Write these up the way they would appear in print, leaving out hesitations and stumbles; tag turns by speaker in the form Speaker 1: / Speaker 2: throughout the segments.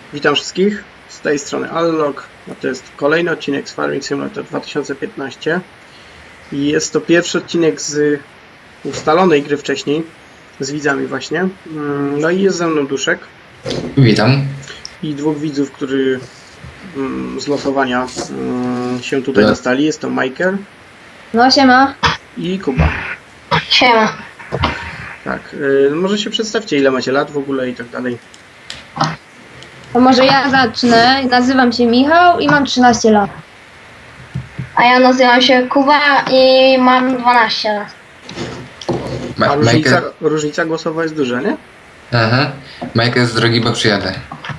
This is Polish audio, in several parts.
Speaker 1: Witam wszystkich, z tej strony Allog, a to jest kolejny odcinek z Farming Simulator 2015 i jest to pierwszy odcinek z ustalonej gry wcześniej, z widzami właśnie. No i jest ze mną Duszek
Speaker 2: Witam.
Speaker 1: i dwóch widzów, którzy z losowania się tutaj dostali. Jest to Michael
Speaker 3: No siema.
Speaker 1: i Kuba.
Speaker 3: Siema.
Speaker 1: Tak, może się przedstawcie, ile macie lat w ogóle i tak dalej.
Speaker 3: To może ja zacznę. Nazywam się Michał i mam 13 lat.
Speaker 4: A ja nazywam się Kuba i mam 12 lat.
Speaker 1: A różnica głosowa jest duża, nie?
Speaker 2: Aha. Michael z drogi, bo przyjadę.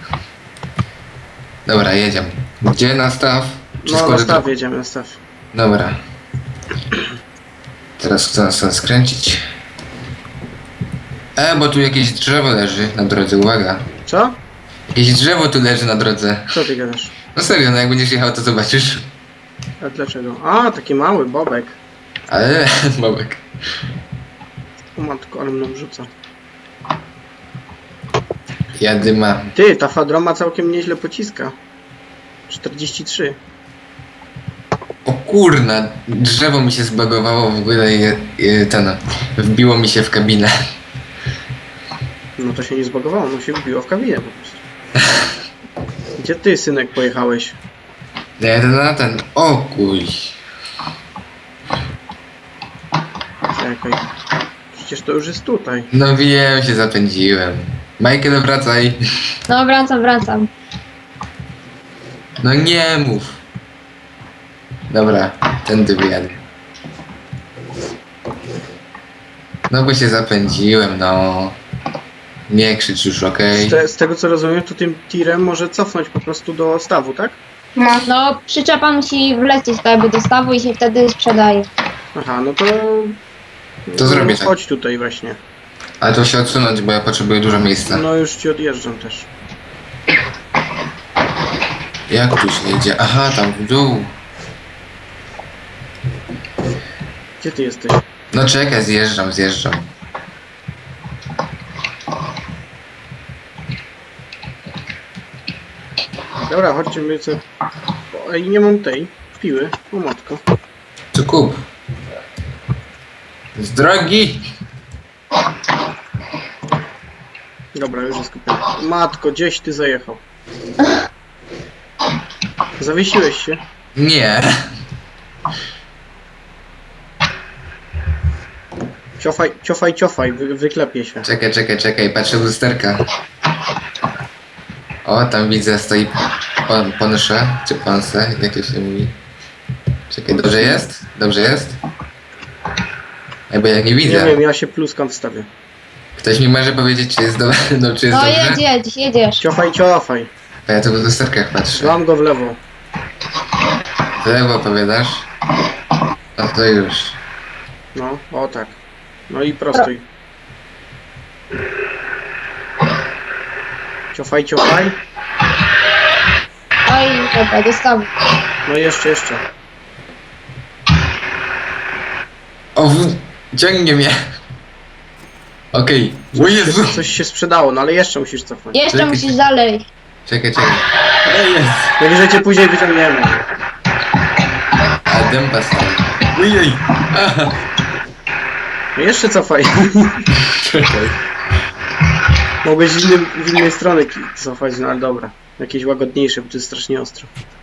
Speaker 2: Dobra, jedziemy. Gdzie nastaw?
Speaker 1: No na staw jedziemy, na staw.
Speaker 2: Dobra. Teraz chcę nas skręcić. Bo tu jakieś drzewo leży na drodze, uwaga.
Speaker 1: Co?
Speaker 2: Jakieś drzewo tu leży na drodze.
Speaker 1: Co ty gadasz?
Speaker 2: No serio, no jak będziesz jechał, to zobaczysz.
Speaker 1: A dlaczego? A, taki mały bobek.
Speaker 2: Ale, bobek.
Speaker 1: O matko, ale mną rzuca.
Speaker 2: Jadyma.
Speaker 1: Ty, ta fadroma całkiem nieźle pociska. 43.
Speaker 2: O kurna, drzewo mi się zbagowało w ogóle i wbiło mi się w kabinę.
Speaker 1: No to się nie zbagowało, no się wbiło w kabinę po prostu. Gdzie ty, synek, pojechałeś?
Speaker 2: Jadę na ten. O kuj.
Speaker 1: Czekaj. Przecież to już jest tutaj.
Speaker 2: No wiem, się zapędziłem. Michael, wracaj.
Speaker 3: No wracam.
Speaker 2: No nie mów. Dobra, tędy wyjadę. No bo się zapędziłem, no. Nie krzycz już, okej?
Speaker 1: Z tego co rozumiem, to tym tirem może cofnąć po prostu do stawu, tak?
Speaker 3: No przyczepa musi wlecieć tak jakby do stawu i się wtedy sprzedaje.
Speaker 1: Aha, no to...
Speaker 2: To zrobię tak.
Speaker 1: Chodź tutaj właśnie.
Speaker 2: Ale to się odsunąć, bo ja potrzebuję dużo miejsca.
Speaker 1: No już ci odjeżdżam też.
Speaker 2: Jak tu się jedzie? Aha, tam w dół.
Speaker 1: Gdzie ty jesteś?
Speaker 2: No czekaj, zjeżdżam.
Speaker 1: Dobra, chodźcie my co... Ej, nie mam tej piły. O matko.
Speaker 2: Tu kup. Z drogi!
Speaker 1: Dobra, już jest kupione. Matko, gdzieś ty zajechał. Zawiesiłeś się?
Speaker 2: Nie.
Speaker 1: Ciofaj, wyklepie się.
Speaker 2: Czekaj, patrzę w lusterka. O, tam widzę, stoi ponsze, czy ponse, jak to się mówi. Czekaj, dobrze jest? Bo ja nie widzę.
Speaker 1: Nie wiem, ja się pluskam wstawię.
Speaker 2: Ktoś mi może powiedzieć, czy jest dobrze? No, czy jest
Speaker 3: No
Speaker 2: dobrze?
Speaker 3: jedziesz.
Speaker 1: Ciofaj.
Speaker 2: A ja tu w lusterkach patrzę.
Speaker 1: Złam go w lewo.
Speaker 2: W lewo powiadasz? No to już.
Speaker 1: No, o tak. No i prostuj. Ciofaj.
Speaker 3: Oj, dobra, do stawu.
Speaker 1: No jeszcze.
Speaker 2: O, ciągnie mnie. Okej. O Jezu!
Speaker 1: Coś się sprzedało, no ale jeszcze musisz cofnąć.
Speaker 3: Jeszcze
Speaker 2: Czekaj.
Speaker 3: musisz dalej.
Speaker 2: Czekaj. O jest!
Speaker 1: Najwyżej cię później wyciągniemy.
Speaker 2: A dęba stoi. Ujej! Aha.
Speaker 1: No jeszcze cofaj.
Speaker 2: Czekaj.
Speaker 1: Mogłeś w innej stronie cofać, no ale dobra. Jakieś łagodniejsze, bo to jest strasznie ostro.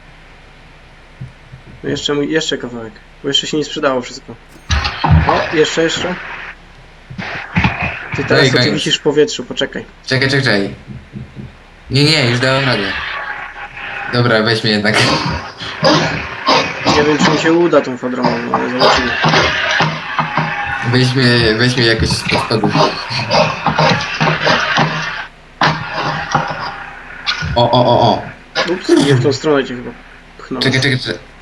Speaker 1: No jeszcze kawałek, bo jeszcze się nie sprzedało wszystko. O, jeszcze. Ty teraz to ty wisisz w powietrzu, poczekaj.
Speaker 2: Czekaj. Nie, już dałem radę. Dobra, weź mnie jednak.
Speaker 1: Nie wiem, czy mi się uda tą fadromą, no ale zobaczymy.
Speaker 2: Weź mnie jakoś spod spodu. O.
Speaker 1: Ups, nie w tą stronę cię chyba pchnąłem.
Speaker 2: Czekaj.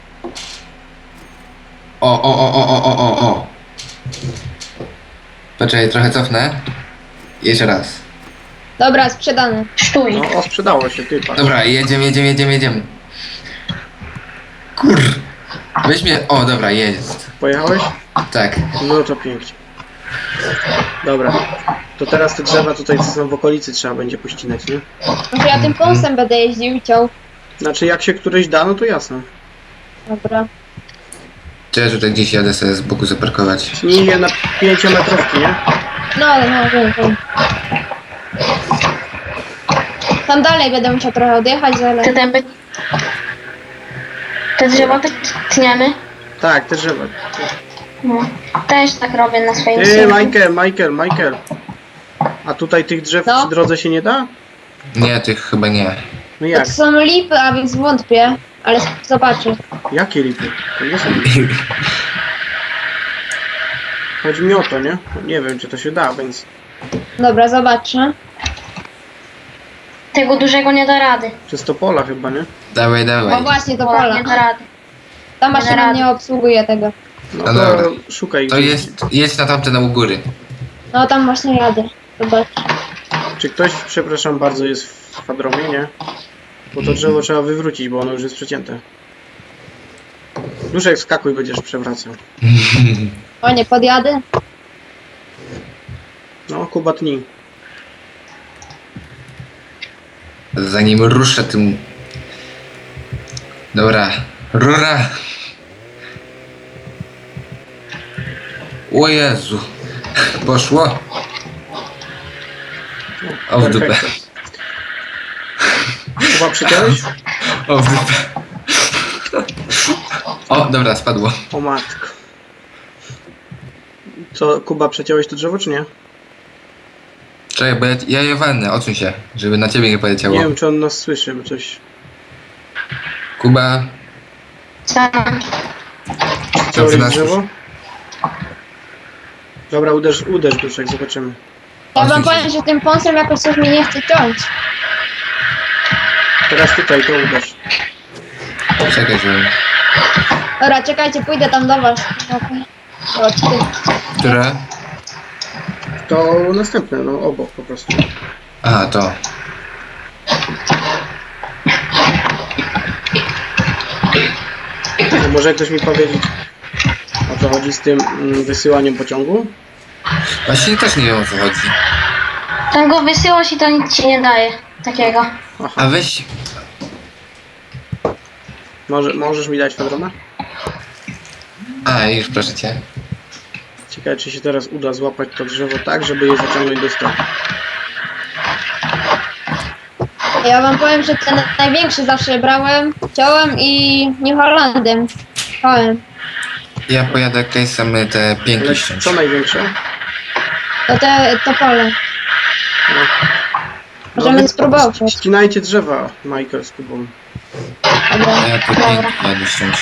Speaker 2: O. Poczekaj, trochę cofnę. Jeszcze raz.
Speaker 3: Dobra, sprzedany.
Speaker 4: Stój.
Speaker 1: No, sprzedało się, ty patrz.
Speaker 2: Dobra, jedziemy. Kur... Weź mnie... O, dobra, jest.
Speaker 1: Pojechałeś?
Speaker 2: Tak.
Speaker 1: No to pięknie. Dobra, To teraz te drzewa tutaj, co są w okolicy, trzeba będzie pościnać, nie?
Speaker 3: Może ja tym kąsem będę jeździł i ciął.
Speaker 1: Znaczy, jak się któryś da, no to jasne.
Speaker 3: Dobra.
Speaker 2: Czy ja tutaj gdzieś jadę sobie z boku zaparkować?
Speaker 1: Nie na 5-metrówki, nie?
Speaker 3: No, wiem. Tam dalej będę musiał trochę odjechać, ale...
Speaker 4: Te drzewa tniemy.
Speaker 1: Tak, te drzewa.
Speaker 4: No. Też tak robię na swoim
Speaker 1: Ty,
Speaker 4: silniku.
Speaker 1: Michael. A tutaj tych drzew
Speaker 3: No.
Speaker 1: przy drodze się nie da?
Speaker 2: Nie, tych chyba nie.
Speaker 1: No
Speaker 3: To
Speaker 1: jak?
Speaker 3: są lipy, a więc wątpię. Ale zobaczę.
Speaker 1: Jakie lipy? To nie są lipy. Chodzi mi o to, nie? Nie wiem, czy to się da, więc...
Speaker 3: Dobra, zobaczę.
Speaker 4: Tego dużego nie da rady.
Speaker 1: Przez to pola chyba, nie?
Speaker 2: Dawaj,
Speaker 3: O
Speaker 2: dawaj.
Speaker 3: właśnie, to
Speaker 4: Bo
Speaker 3: pola.
Speaker 4: nie da rady.
Speaker 3: Ta
Speaker 4: nie
Speaker 3: maszyna
Speaker 4: rady.
Speaker 3: nie obsługuje tego.
Speaker 1: No
Speaker 2: No
Speaker 1: to
Speaker 2: dobra.
Speaker 1: szukaj.
Speaker 2: To jedź na tamte u góry.
Speaker 3: No tam właśnie jadę. Zobacz.
Speaker 1: Czy ktoś, przepraszam bardzo, jest w fadromie, nie? Bo to drzewo trzeba wywrócić, bo ono już jest przecięte. Duszek, skakuj, będziesz przewracał.
Speaker 3: O nie, podjadę?
Speaker 1: No, Kuba tnij.
Speaker 2: Zanim ruszę tym... Dobra. Rura! O Jezu. Poszło. O w dupę.
Speaker 1: Perfekto. Kuba, przyciąłeś?
Speaker 2: O w dupę. O, dobra, spadło.
Speaker 1: O matko. Co, Kuba, przeciąłeś to drzewo, czy nie?
Speaker 2: Czekaj, bo ja je walnę, odsuń się, żeby na ciebie nie poleciało.
Speaker 1: Nie wiem, czy on nas słyszy, bo coś...
Speaker 2: Kuba,
Speaker 4: Co?
Speaker 1: Przeciąłeś
Speaker 2: nas
Speaker 1: drzewo? Dobra, uderz, Duszek, zobaczymy.
Speaker 3: Ja wam powiem, że tym kąsem jakoś coś mi nie chce ciąć.
Speaker 1: Teraz tutaj, to uderz.
Speaker 2: czekaj, żeby...
Speaker 3: Dobra, czekajcie, pójdę tam do was. Okej. Chodź ty.
Speaker 2: Które?
Speaker 1: To następne, no obok po prostu.
Speaker 2: A, to.
Speaker 1: To może ktoś mi powiedzieć, o co chodzi z tym wysyłaniem pociągu?
Speaker 2: Właśnie też nie wiem, o co chodzi.
Speaker 4: Ten go wysyłasz i to nic ci nie daje. Takiego.
Speaker 1: Aha,
Speaker 2: A weź...
Speaker 1: możesz mi dać fedrona?
Speaker 2: A, już proszę cię.
Speaker 1: Ciekawe, czy się teraz uda złapać to drzewo tak, żeby je zaciągnąć do stołu.
Speaker 3: Ja wam powiem, że ten największy zawsze brałem, ciąłem i New Hollandem. Ciąłem.
Speaker 2: Ja pojadę case'em te pięki
Speaker 1: Ale
Speaker 2: ściąć.
Speaker 1: co największe?
Speaker 3: To pole.
Speaker 1: No.
Speaker 3: Możemy
Speaker 1: No,
Speaker 3: spróbować.
Speaker 1: Ścinajcie drzewa, Michael z Kubą.
Speaker 3: Dobra.
Speaker 2: A ja te pięki jadę ściąć.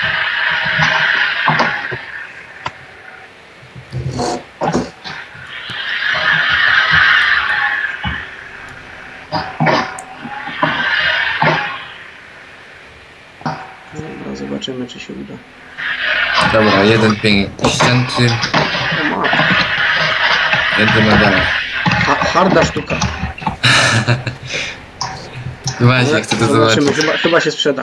Speaker 1: Dobra, zobaczymy, czy się uda.
Speaker 2: Dobra, jeden pięk ścięty,
Speaker 1: O matko.
Speaker 2: jedziemy dalej.
Speaker 1: Harda sztuka.
Speaker 2: Właśnie, chcę to
Speaker 1: Zobaczymy,
Speaker 2: zobaczyć.
Speaker 1: chyba się sprzeda.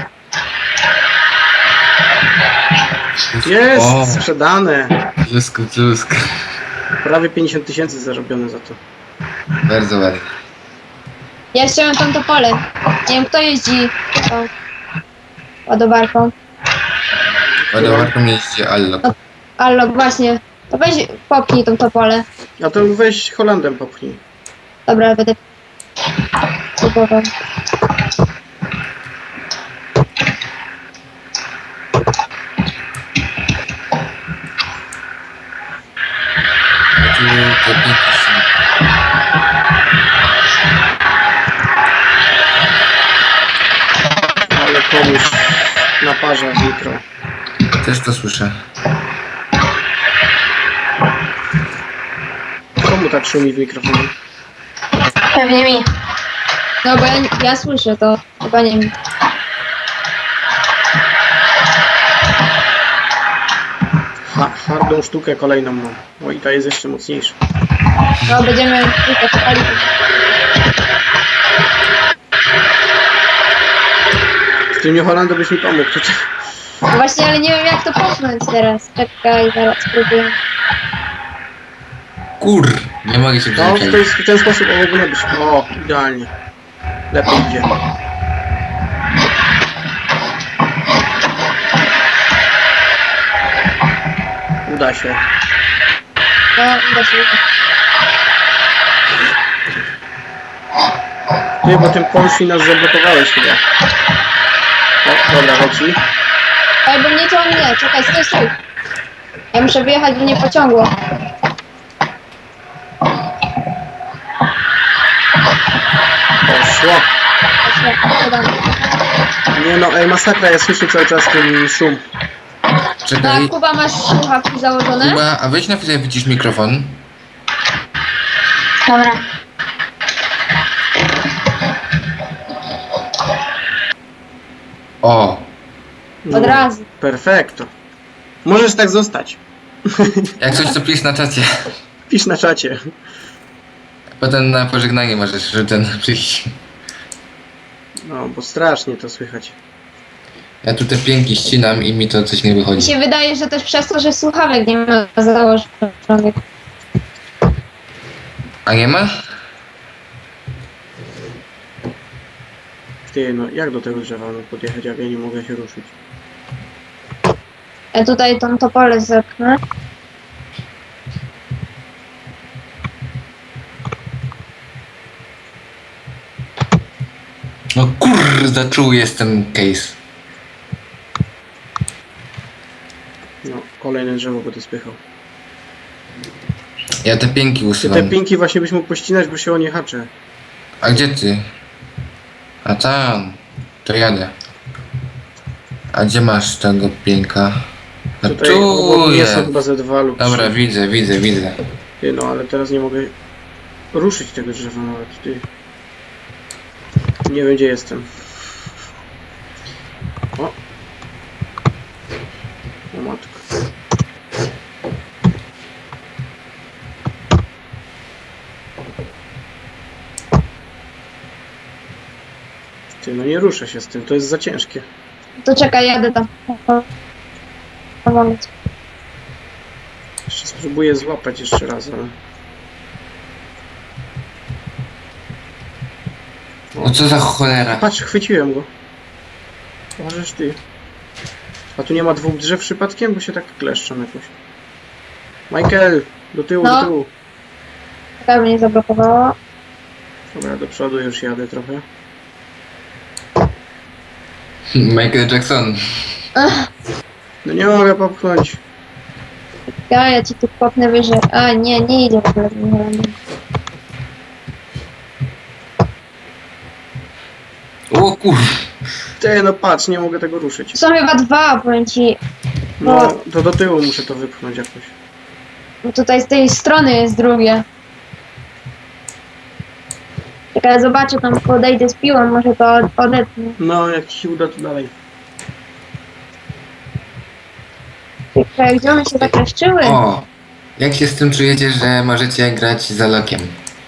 Speaker 1: Jest!
Speaker 2: O,
Speaker 1: Sprzedane!
Speaker 2: blusk.
Speaker 1: Prawie 50 000 zarobione za to.
Speaker 2: Bardzo ładnie.
Speaker 3: Ja chciałem tam to pole. Nie wiem, kto jeździ tą ładowarką.
Speaker 2: Ładowarką jeździ Allo.
Speaker 3: Allo, właśnie. To weź popchnij tą to pole.
Speaker 1: A to weź Holandem popchnij.
Speaker 3: Dobra, będę próbował.
Speaker 2: Tu te pięki ścięte.
Speaker 1: Ale komuś naparza w mikro.
Speaker 2: Też to słyszę.
Speaker 1: Komu tak szumi w mikrofonie?
Speaker 4: Pewnie mi.
Speaker 3: No bo ja słyszę to. Chyba nie wiem.
Speaker 1: Hardą sztukę kolejną mam. O, i ta jest jeszcze mocniejsza.
Speaker 3: No będziemy tylko czekali.
Speaker 1: Z tym New Hollandem byś mi pomógł tutaj.
Speaker 3: No właśnie, ale nie wiem jak to popchnąć teraz. Czekaj, zaraz spróbuję.
Speaker 2: Kur! Nie mogę się
Speaker 1: No,
Speaker 2: przyzwyczaić.
Speaker 1: w ten sposób powinno być. O, idealnie. Lepiej idzie. Uda się.
Speaker 3: No, uda się.
Speaker 1: Ty, bo tym Polski nas zablokowałeś chyba. O, dobra, leci.
Speaker 3: Ej, bo mnie ciągnie. Czekaj, stój. Ja muszę wyjechać, by nie pociągło.
Speaker 1: Poszło.
Speaker 3: Podam.
Speaker 1: Nie no, ej, masakra, ja słyszę cały czas ten szum.
Speaker 2: Czekaj,
Speaker 3: Tak, Kuba, masz słuchawki założone?
Speaker 2: Kuba, a weź na chwilę wycisz mikrofon.
Speaker 4: Dobra.
Speaker 2: O,
Speaker 1: No,
Speaker 3: Od razu.
Speaker 1: Perfekto. Możesz tak zostać.
Speaker 2: jak coś to pisz na czacie.
Speaker 1: Pisz na czacie.
Speaker 2: Potem na pożegnanie możesz ten przyjść.
Speaker 1: No, bo strasznie to słychać.
Speaker 2: Ja tu te pięki ścinam i mi to coś nie
Speaker 3: Mi
Speaker 2: wychodzi.
Speaker 3: się wydaje, że też przez to, że słuchawek nie ma założonych.
Speaker 2: A nie ma?
Speaker 1: Ty, no jak do tego drzewa no, podjechać, jak ja nie mogę się ruszyć?
Speaker 3: Ja tutaj tą topolę zepnę.
Speaker 2: No kurde, czuły jest ten case.
Speaker 1: No, kolejne drzewo będę spychał.
Speaker 2: Ja te pięki
Speaker 1: Ty,
Speaker 2: usuwam.
Speaker 1: te pinki właśnie byś mógł pościnać, bo się o nie haczę.
Speaker 2: A gdzie ty? A tam. To jadę. A gdzie masz tego pięka? A
Speaker 1: Tutaj
Speaker 2: tu
Speaker 1: obok mnie są
Speaker 2: jest.
Speaker 1: chyba ze 2 lub 3.
Speaker 2: Dobra, widzę.
Speaker 1: Ty, no ale teraz nie mogę ruszyć tego drzewa nawet, ty. Nie wiem, gdzie jestem. O! O matko. Ty, no nie ruszę się z tym, to jest za ciężkie.
Speaker 3: To czekaj, jadę tam. Pomogę ci.
Speaker 1: Jeszcze spróbuję złapać jeszcze raz, ale...
Speaker 2: O co za cholera?
Speaker 1: Patrz, chwyciłem go. Możesz ty. A tu nie ma 2 drzew przypadkiem, bo się tak kleszczą jakoś. Michael, do tyłu,
Speaker 3: No.
Speaker 1: do tyłu.
Speaker 3: Czekaj, mnie zablokowało.
Speaker 1: Dobra, do przodu już jadę trochę.
Speaker 2: Michael Jackson.
Speaker 1: No nie mogę popchnąć.
Speaker 3: Ja ci tu popnę wyżej. A, nie idzie w ogóle.
Speaker 2: O kur...
Speaker 1: Ty, no patrz, nie mogę tego ruszyć.
Speaker 3: Są chyba 2, powiem ci.
Speaker 1: No, to do tyłu muszę to wypchnąć jakoś.
Speaker 3: Bo tutaj z tej strony jest drugie. Czekaj, zobaczę, tam podejdę z piłą, może to odetnę.
Speaker 1: No, jak ci się uda, to dalej.
Speaker 3: Czekaj, gdzie one się zakleszczyły?
Speaker 2: O! Jak się z tym czujecie, że możecie grać za lokiem?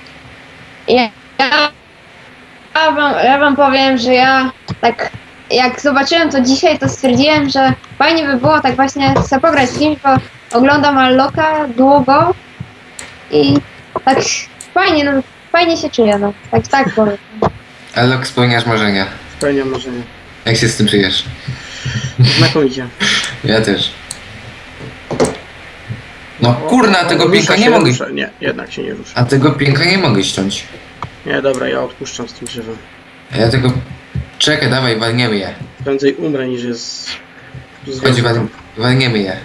Speaker 3: Ja wam powiem, że ja tak jak zobaczyłem to dzisiaj, to stwierdziłem, że fajnie by było tak właśnie sobie pograć z kimś, bo oglądam Alloka długo i tak fajnie, no fajnie się czuję, no tak powiem.
Speaker 2: A lok spełniasz marzenia.
Speaker 1: Spełniam marzenie.
Speaker 2: Jak się z tym czujesz?
Speaker 1: Znakomicie.
Speaker 2: Ja też. No kurna, tego
Speaker 1: Rusza
Speaker 2: pięka nie
Speaker 1: się,
Speaker 2: mogę...
Speaker 1: rusza. Nie, jednak się nie rusza.
Speaker 2: A tego pięka nie mogę ściąć.
Speaker 1: Nie, dobra, ja odpuszczam z tym drzewem.
Speaker 2: A ja tego... Czekaj, dawaj, walniemy je.
Speaker 1: Prędzej umrę niż jest...
Speaker 2: Chodź, walniemy je.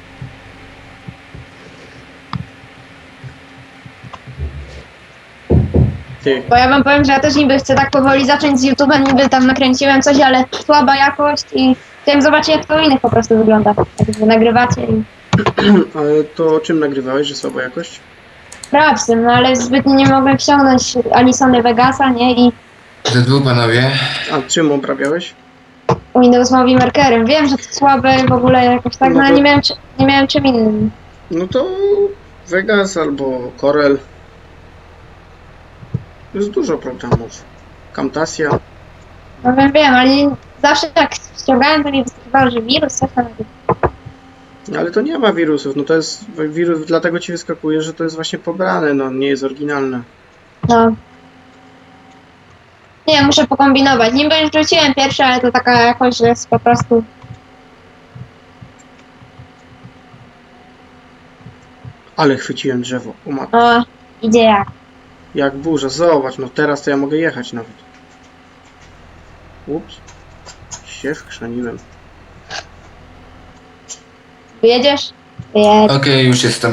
Speaker 1: Ty,
Speaker 3: Bo ja wam powiem, że ja też niby chcę tak powoli zacząć z YouTube'em, niby tam nakręciłem coś, ale słaba jakość i chciałem zobaczyć, jak to u innych po prostu wygląda. Jak wy nagrywacie i
Speaker 1: ale to czym nagrywałeś, że słaba jakość?
Speaker 3: Rapsem, no ale zbytnio nie mogłem ściągnąć Alisony Vegasa, nie? I
Speaker 2: Te dwóch panowie.
Speaker 1: A czym obrabiałeś?
Speaker 3: Windows Movie Markerem. Wiem, że to słabe w ogóle jakoś tak, no ale nie miałem czym innym.
Speaker 1: No to Vegas albo Corel. Jest dużo programów. Camtasia.
Speaker 3: No wiem, ale zawsze jak ściągałem, to mi wyskakiwało, że wirus, coś tam.
Speaker 1: Ale to nie ma wirusów, no to jest wirus, dlatego ci wyskakuje, że to jest właśnie pobrane, no nie jest oryginalne.
Speaker 3: No. Nie, muszę pokombinować. Niby już rzuciłem pierwsze, ale to taka jakość, że jest po prostu...
Speaker 1: Ale chwyciłem drzewo, o matko.
Speaker 3: O, idzie jak.
Speaker 1: Jak burza, zobacz, no teraz to ja mogę jechać nawet. Ups. Się wchrzaniłem.
Speaker 3: Wyjedziesz? Wyjedź.
Speaker 2: Okej, już jestem.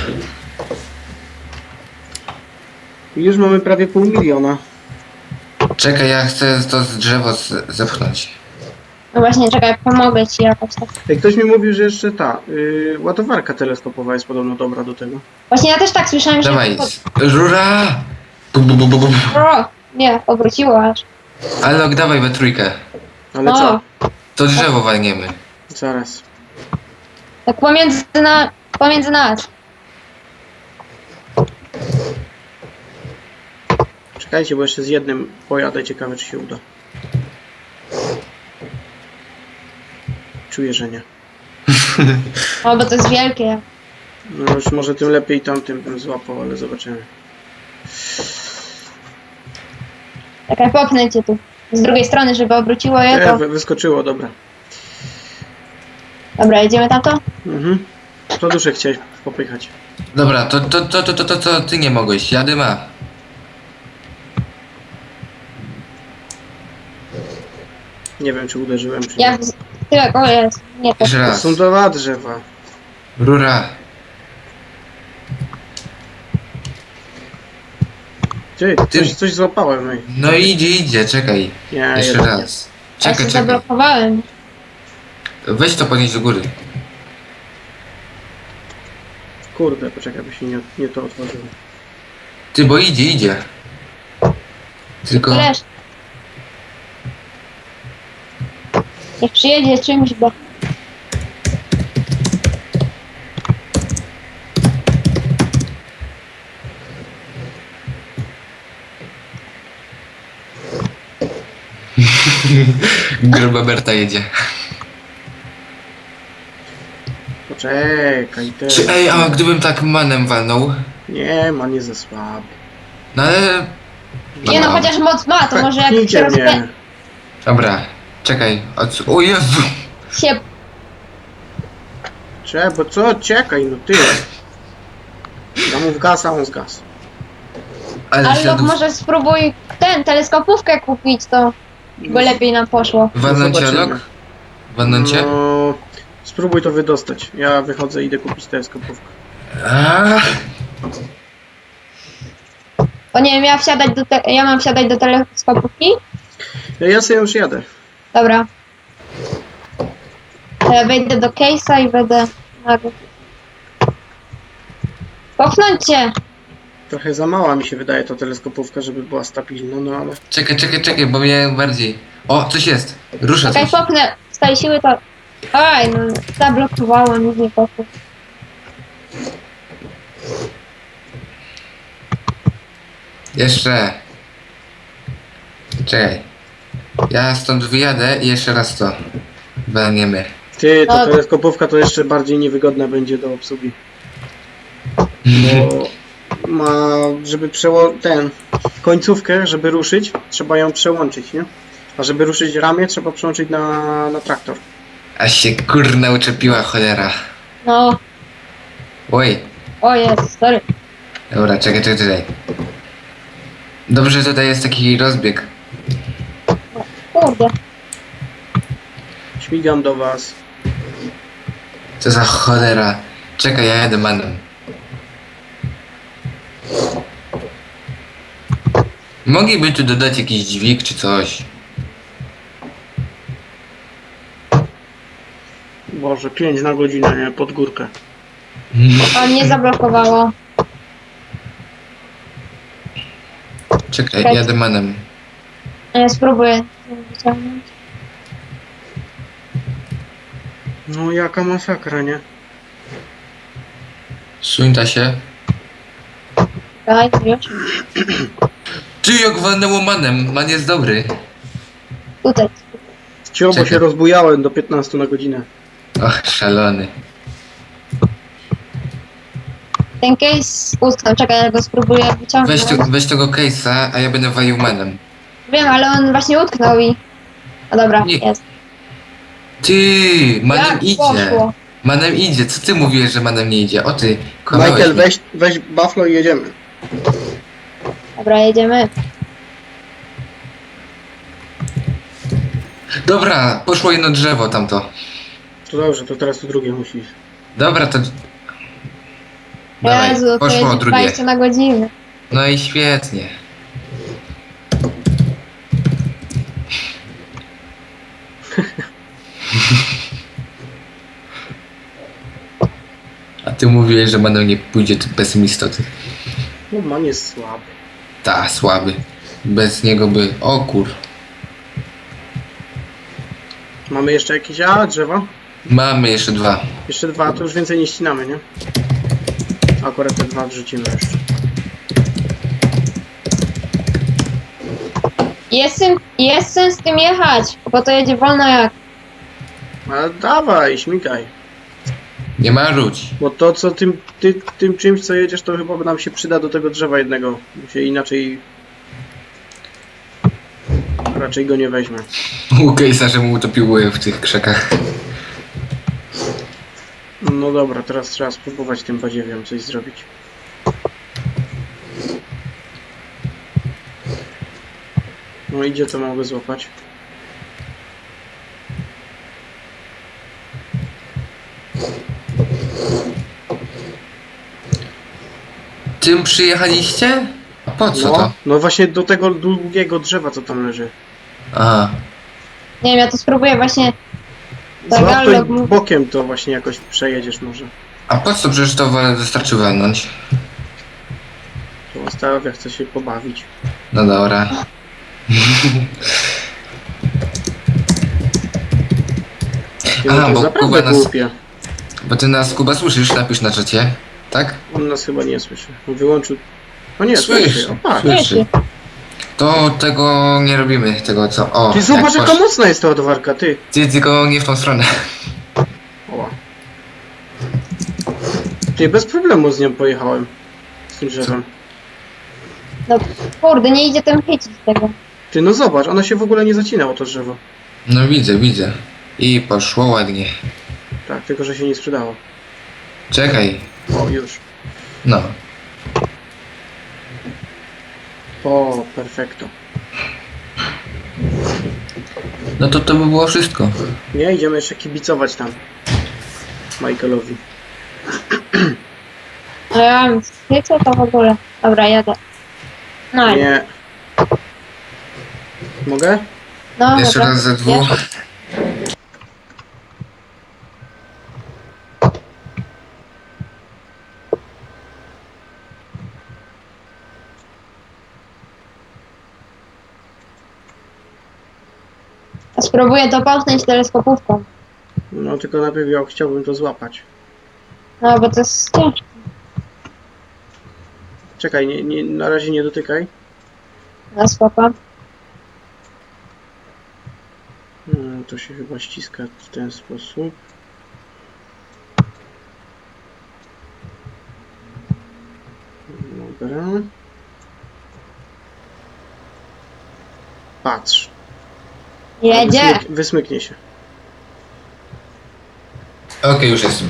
Speaker 1: I już mamy prawie 500 000.
Speaker 2: Czekaj, ja chcę to drzewo zepchnąć.
Speaker 3: No właśnie, czekaj, pomogę ci jakoś tak.
Speaker 1: Ej, ktoś mi mówił, że jeszcze ta ładowarka teleskopowa jest podobno dobra do tego.
Speaker 3: Właśnie ja też tak słyszałem, że...
Speaker 2: Dawaj, rura! Bum, bum, bum, bum, bum.
Speaker 3: O, nie, obróciło aż.
Speaker 2: Alok, dawaj we trójkę.
Speaker 1: Ale
Speaker 3: O,
Speaker 1: co?
Speaker 2: To drzewo walniemy.
Speaker 1: Zaraz.
Speaker 3: tak pomiędzy nas.
Speaker 1: Czekajcie, bo jeszcze z jednym pojadę, ciekawe czy się uda. Czuję, że nie.
Speaker 3: O, bo to jest wielkie.
Speaker 1: No już może tym lepiej tamtym bym złapał, ale zobaczymy.
Speaker 3: Czekaj, popnę cię tu. Z drugiej strony, żeby obróciło je, to...
Speaker 1: Wyskoczyło, dobra.
Speaker 3: Dobra, jedziemy tamto?
Speaker 1: Mhm. Produszek chciałeś popychać.
Speaker 2: Dobra, to ty nie mogłeś. Jady ma.
Speaker 1: Nie wiem, czy uderzyłem, czy
Speaker 3: Ja
Speaker 1: nie.
Speaker 3: w tyłek, o jest. Nie, to...
Speaker 2: Jeszcze
Speaker 1: To
Speaker 2: raz.
Speaker 1: są dwa drzewa.
Speaker 2: Rura.
Speaker 1: Ty, coś złapałem, ej.
Speaker 2: No idzie, czekaj.
Speaker 1: Nie,
Speaker 2: Jeszcze
Speaker 1: jednak nie.
Speaker 2: raz.
Speaker 3: Ja się
Speaker 2: Czekaj.
Speaker 3: zablokowałem.
Speaker 2: Weź to podnieść do góry.
Speaker 1: Kurde, poczekaj, by się nie to otworzyło.
Speaker 2: Ty, bo idzie. Tylko...
Speaker 3: Wiesz. Niech przyjedzie czymś, bo...
Speaker 2: Gruba Berta jedzie.
Speaker 1: Poczekaj, ty.
Speaker 2: Ej, a gdybym tak manem walnął?
Speaker 1: Nie, ma nie za słaby.
Speaker 2: No ale...
Speaker 3: Nie no, chociaż moc ma, to może jak się
Speaker 1: Pchnijcie mnie.
Speaker 2: Dobra, czekaj. O Jezu!
Speaker 3: się...
Speaker 1: Bo co? Czekaj, no ty. Ja mu w gaz, a on z gaz.
Speaker 2: Ale
Speaker 3: Ale
Speaker 2: śladów...
Speaker 3: może spróbuj teleskopówkę kupić, to by lepiej nam poszło.
Speaker 2: Walnąć
Speaker 1: Zobaczymy.
Speaker 2: Alok? Walnąć cię?
Speaker 1: No, spróbuj to wydostać. Ja wychodzę, idę kupić teleskopówkę.
Speaker 2: A,
Speaker 3: O nie wiem, ja mam wsiadać do teleskopówki?
Speaker 1: Ja sobie już jadę.
Speaker 3: Dobra. To ja wejdę do case'a i będę... Popchnąć cię!
Speaker 1: Trochę za mała mi się wydaje ta teleskopówka, żeby była stabilna, no ale...
Speaker 2: czekaj, bo mnie bardziej... O, coś jest! Rusza
Speaker 3: Czekaj,
Speaker 2: coś.
Speaker 3: popchnę. Z tej siły to... Aj, no zablokowało, nic nie poszło.
Speaker 2: Jeszcze. Czekaj. Ja stąd wyjadę i jeszcze raz to. Walniemy.
Speaker 1: Ty, ta
Speaker 3: No.
Speaker 1: teleskopówka to jeszcze bardziej niewygodna będzie do obsługi. Bo ma, żeby końcówkę, żeby ruszyć, trzeba ją przełączyć, nie? A żeby ruszyć ramię, trzeba przełączyć na traktor.
Speaker 2: A się kurna uczepiła cholera.
Speaker 3: No,
Speaker 2: Oj.
Speaker 3: o jest, sorry.
Speaker 2: Dobra, czekaj. Dobrze, że tutaj jest taki rozbieg.
Speaker 3: Kurde.
Speaker 1: Śmigam do was.
Speaker 2: Co za cholera. Czekaj, ja jadę manem. Mogliby tu dodać jakiś dźwig czy coś.
Speaker 1: Boże, 5 na godzinę, nie? Pod górkę.
Speaker 3: A mnie zablokowało.
Speaker 2: Czekaj, jadę manem.
Speaker 3: A ja spróbuję wyciągnąć.
Speaker 1: No jaka masakra, nie?
Speaker 2: Suńta się.
Speaker 3: Daj, już.
Speaker 2: Ty jak walnęło manem, man jest dobry.
Speaker 3: Tutaj.
Speaker 1: Cio, bo
Speaker 2: Czekaj.
Speaker 1: się rozbujałem do 15 na godzinę.
Speaker 2: Och, szalony.
Speaker 3: Ten case utknął, czekaj, ja go spróbuję wyciągnąć.
Speaker 2: Weź tego case'a, a ja będę walił manem.
Speaker 3: Wiem, ale on właśnie utknął i... No dobra,
Speaker 2: Nie.
Speaker 3: jest.
Speaker 2: Ty, manem
Speaker 3: Jak
Speaker 2: idzie.
Speaker 3: poszło?
Speaker 2: Manem idzie, co ty mówiłeś, że manem nie idzie? O ty, kłamałeś
Speaker 1: Michael,
Speaker 2: mi.
Speaker 1: weź Buffalo i jedziemy.
Speaker 3: Dobra, jedziemy.
Speaker 2: Dobra, poszło jedno drzewo tamto.
Speaker 1: To dobrze, to teraz to drugie musisz.
Speaker 2: Dobra, to... Dawaj,
Speaker 3: Jezu, to
Speaker 2: poszło
Speaker 3: jedzie
Speaker 2: drugie.
Speaker 3: 20 na godzinę.
Speaker 2: No i świetnie. A ty mówiłeś, że manem nie pójdzie, ty pesymisto, ty.
Speaker 1: No man jest słaby.
Speaker 2: Ta, słaby. Bez niego by... O kur...
Speaker 1: Mamy jeszcze jakieś drzewa?
Speaker 2: Mamy jeszcze 2.
Speaker 1: Jeszcze 2, to już więcej nie ścinamy, nie? Akurat te 2 wrzucimy jeszcze.
Speaker 3: Jest sens z tym jechać, bo to jedzie wolno jak...
Speaker 1: Ale dawaj, śmigaj.
Speaker 2: Nie ma rzuć.
Speaker 1: Bo to co tym czymś co jedziesz, to chyba nam się przyda do tego drzewa jednego. Bo się inaczej... Raczej go nie weźmie.
Speaker 2: U Case'a, że mu utopiły w tych krzakach.
Speaker 1: No dobra, teraz trzeba spróbować tym badziewiem coś zrobić. No idzie, to mogę złapać.
Speaker 2: Tym przyjechaliście? A po co to?
Speaker 1: No właśnie do tego długiego drzewa, co tam leży.
Speaker 2: A,
Speaker 3: Nie wiem, ja to spróbuję właśnie... Tak,
Speaker 1: Złap to i
Speaker 3: Gallok mu-
Speaker 1: bokiem to właśnie jakoś przejedziesz może.
Speaker 2: a po co? Przecież to wystarczy walnąć.
Speaker 1: To ostatnio chcę się pobawić.
Speaker 2: No dobra.
Speaker 1: Ty,
Speaker 2: A,
Speaker 1: no to
Speaker 2: bo
Speaker 1: naprawdę
Speaker 2: Kuba nas-
Speaker 1: głupie.
Speaker 2: Bo ty nas, Kuba, słyszysz? Napisz na czacie. Tak?
Speaker 1: On nas chyba nie słyszy. On wyłączył... O nie, słyszy. O, patrz.
Speaker 2: Słyszy. To tego nie robimy, tego co... O,
Speaker 1: Ty zobacz,
Speaker 2: jak
Speaker 1: jaka mocna jest ta ładowarka, ty.
Speaker 2: Ty tylko nie w tą stronę.
Speaker 1: Oła. Ty, bez problemu z nią pojechałem. Z tym drzewem.
Speaker 3: No kurde, nie idzie ten chycić tego.
Speaker 1: Ty, no zobacz, ona się w ogóle nie zacinało, to drzewo.
Speaker 2: No widzę. I poszło ładnie.
Speaker 1: Tak, tylko że się nie sprzedało.
Speaker 2: Czekaj.
Speaker 1: O, już.
Speaker 2: No.
Speaker 1: O, perfekto.
Speaker 2: No to by było wszystko.
Speaker 1: Nie, idziemy jeszcze kibicować tam. Michaelowi.
Speaker 3: A ja mam chycę to w ogóle. Dobra, jadę. No,
Speaker 1: Nie. Mogę?
Speaker 3: no
Speaker 2: Jeszcze
Speaker 3: dobra.
Speaker 2: raz ze dwóch.
Speaker 3: Spróbuję to połknąć teleskopówką.
Speaker 1: No, tylko najpierw ja chciałbym to złapać.
Speaker 3: No, bo to jest ciężkie.
Speaker 1: Czekaj, na razie nie dotykaj.
Speaker 3: No, spoko.
Speaker 1: To się chyba ściska w ten sposób. Dobra. Patrz.
Speaker 3: Jedzie!
Speaker 1: Wysmyknie się.
Speaker 2: Okej, już jestem.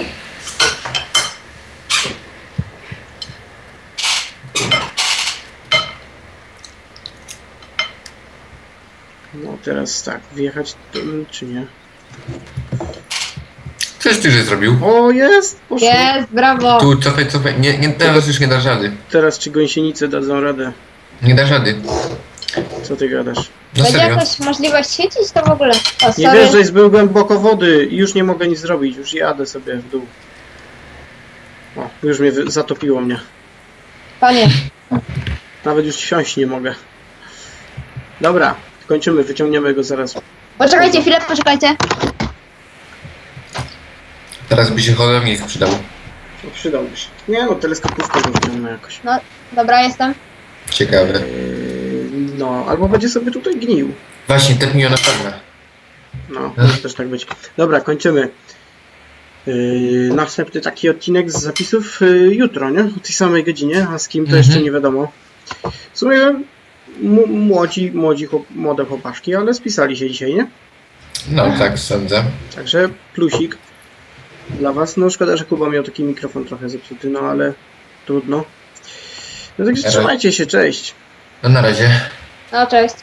Speaker 1: No teraz tak, wjechać czy nie?
Speaker 2: Coś ty że zrobił?
Speaker 1: O, jest! Poszło.
Speaker 3: Jest, brawo!
Speaker 2: Tu, cofaj. Nie, teraz już nie da rady.
Speaker 1: Teraz ci gąsienice dadzą radę.
Speaker 2: Nie da rady.
Speaker 1: Co ty gadasz?
Speaker 2: No
Speaker 3: Będzie
Speaker 2: serio.
Speaker 3: jakaś możliwość chycić to w ogóle? O,
Speaker 1: Nie
Speaker 3: sorry.
Speaker 1: wiesz, że jest był głęboko wody i już nie mogę nic zrobić, już jadę sobie w dół. O, już mnie zatopiło mnie.
Speaker 3: Panie,
Speaker 1: Nawet już wsiąść nie mogę. Dobra, kończymy, wyciągniemy go zaraz.
Speaker 3: poczekajcie chwilę, poczekajcie.
Speaker 2: Teraz by się holownik przydał.
Speaker 1: No, przydałby się. Nie no, teleskopówkę go wyciągnę jakoś.
Speaker 3: No, dobra, jestem.
Speaker 2: Ciekawe.
Speaker 1: No, albo będzie sobie tutaj gnił.
Speaker 2: Właśnie, tak mi ona pewna.
Speaker 1: No, może też tak być. Dobra, kończymy. Następny taki odcinek z zapisów jutro, nie? O tej samej godzinie, a z kim to jeszcze nie wiadomo. W sumie młode chłopaszki, ale spisali się dzisiaj, nie?
Speaker 2: No tak sądzę.
Speaker 1: Także plusik dla was. No szkoda, że Kuba miał taki mikrofon trochę zepsuty, no ale trudno. No także trzymajcie się, cześć.
Speaker 2: No na razie.
Speaker 3: No cześć.